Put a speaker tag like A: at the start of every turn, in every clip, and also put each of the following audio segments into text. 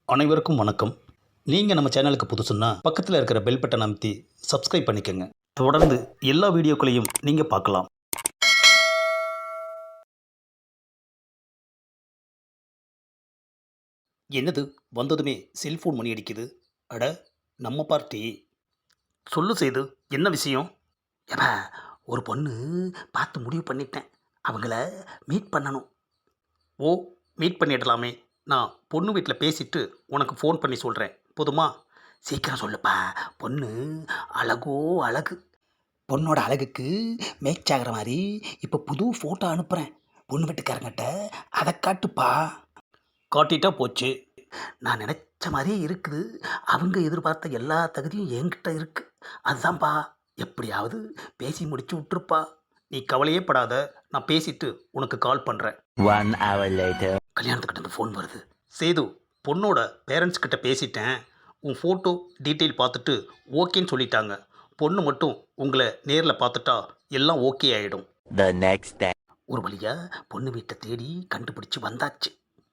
A: அனைவருக்கும் வணக்கம். நீங்கள் நம்ம சேனலுக்கு புதுசுன்னா பக்கத்தில் இருக்கிற பெல் பட்டனை அமைத்தி சப்ஸ்கிரைப் பண்ணிக்கோங்க. தொடர்ந்து எல்லா வீடியோக்களையும் நீங்கள் பார்க்கலாம். என்னது, வந்ததுமே செல்ஃபோன் மணி அடிக்குது. அட, நம்ம பார்ட்டி. சொல்லு செய்து, என்ன விஷயம்? ஏப்பா, ஒரு பொண்ணு பார்த்து முடிவு பண்ணிட்டேன். அவங்கள மீட் பண்ணணும். ஓ, மீட் பண்ணிடலாமே. நான் பொண்ணு வீட்டில் பேசிட்டு உனக்கு ஃபோன் பண்ணி சொல்கிறேன், போதுமா? சீக்கிரம் சொல்லுப்பா. பொண்ணு அழகோ அழகு. பொண்ணோட அழகுக்கு மேட்ச் ஆகிற மாதிரி இப்போ புது ஃபோட்டோ அனுப்புகிறேன். பொண்ணு வீட்டுக்காரங்கிட்ட அதை காட்டுப்பா. காட்டிட்டா போச்சு. நான் நினச்ச மாதிரியே இருக்குது. அவங்க எதிர்பார்த்த எல்லா தகுதியும் என்கிட்ட இருக்குது. அதுதான்ப்பா, எப்படியாவது பேசி முடிச்சு விட்டுருப்பா. நீ கவலையே படாத, நான் பேசிட்டு உனக்கு கால் பண்ணுறேன்.
B: 1 hour later.
A: கல்யாணத்துக்கிட்ட இருந்து ஃபோன் வருது. சேது, பொண்ணோட பேரண்ட்ஸ் கிட்ட பேசிட்டேன். உன் ஃபோட்டோ டீட்டெயில் பார்த்துட்டு ஓகேன்னு சொல்லிட்டாங்க. பொண்ணு மட்டும் உங்களை நேரில் பார்த்துட்டா எல்லாம் ஓகே ஆகிடும்.
B: The next day.
A: ஒரு வழியாக பொண்ணு வீட்டை தேடி கண்டுபிடிச்சி வந்தாச்சு.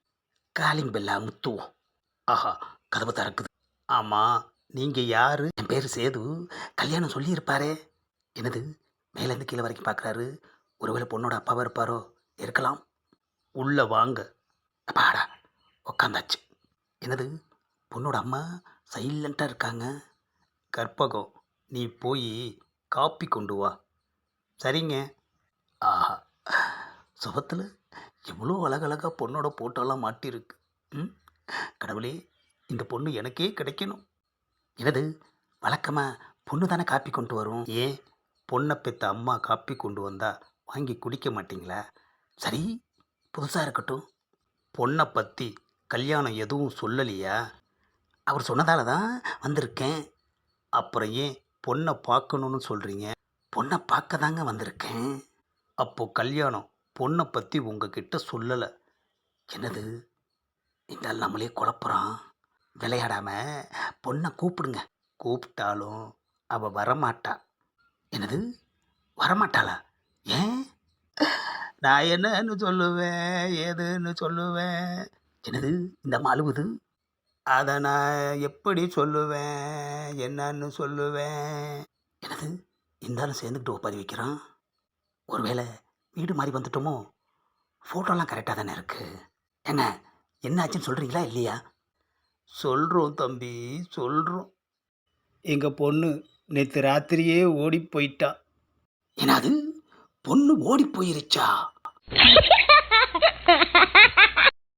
A: Calling Bella முத்துவோம். ஆஹா, கதவை திறக்குது. ஆமாம், நீங்கள் யார்? என் பேர் சேது. கல்யாணம் சொல்லியிருப்பாரே. என்னது, மேலேருந்து கீழே வரைக்கும் பார்க்குறாரு. ஒருவேளை பொண்ணோட அப்பாவாக இருப்பாரோ? இருக்கலாம். உள்ளே வாங்க. அப்பாடா, உக்காந்தாச்சு. என்னது, பொண்ணோட அம்மா சைலண்ட்டாக இருக்காங்க. கற்பகம், நீ போய் காப்பி கொண்டு வா. சரிங்க. ஆஹா, சுபத்தில் எவ்வளோ அழகழகாக பொண்ணோட போட்டோலாம் மாட்டியிருக்கு. ம், கடவுளே, இந்த பொண்ணு எனக்கே கிடைக்கணும். என்னது, வழக்கமாக பொண்ணு தானே காப்பி கொண்டு வரும். ஏன் பொண்ணை பெற்ற அம்மா காப்பி கொண்டு வந்தால் வாங்கி குடிக்க மாட்டிங்களா? சரி, புதுசாக இருக்கட்டும். பொண்ணை பற்றி கல்யாணம் எதுவும் சொல்லலையா? அவர் சொன்னதால தான் வந்திருக்கேன். அப்புறம் ஏன் பொண்ணை பார்க்கணுன்னு சொல்கிறீங்க? பொண்ணை பார்க்க தாங்க வந்திருக்கேன். அப்போது கல்யாணம் பொண்ணை பற்றி உங்ககிட்ட சொல்லலை. என்னது, இந்த நம்மளே குழப்புறான். விளையாடாமல் பொண்ணை கூப்பிடுங்க. கூப்பிட்டாலும் அவள் வரமாட்டா. என்னது, வரமாட்டாளா? ஏன்? நான் என்னன்னு சொல்லுவேன், ஏதுன்னு சொல்லுவேன். என்னது, இந்த அம்மா அழுவுது. அதை நான் எப்படி சொல்லுவேன், என்னன்னு சொல்லுவேன். என்னது, இருந்தாலும் சேர்ந்துக்கிட்டு ஒப்பாரி வைக்கிறான். ஒருவேளை வீடு மாதிரி வந்துட்டோமோ? ஃபோட்டோலாம் கரெக்டாக தானே இருக்குது. ஏங்க, என்ன ஆச்சுன்னு சொல்கிறீங்களா இல்லையா? சொல்கிறோம் தம்பி, சொல்கிறோம். எங்கள் பொண்ணு நேற்று ராத்திரியே ஓடி போயிட்டா. என்னது, பொண்ணு ஓடி போயிருச்சா?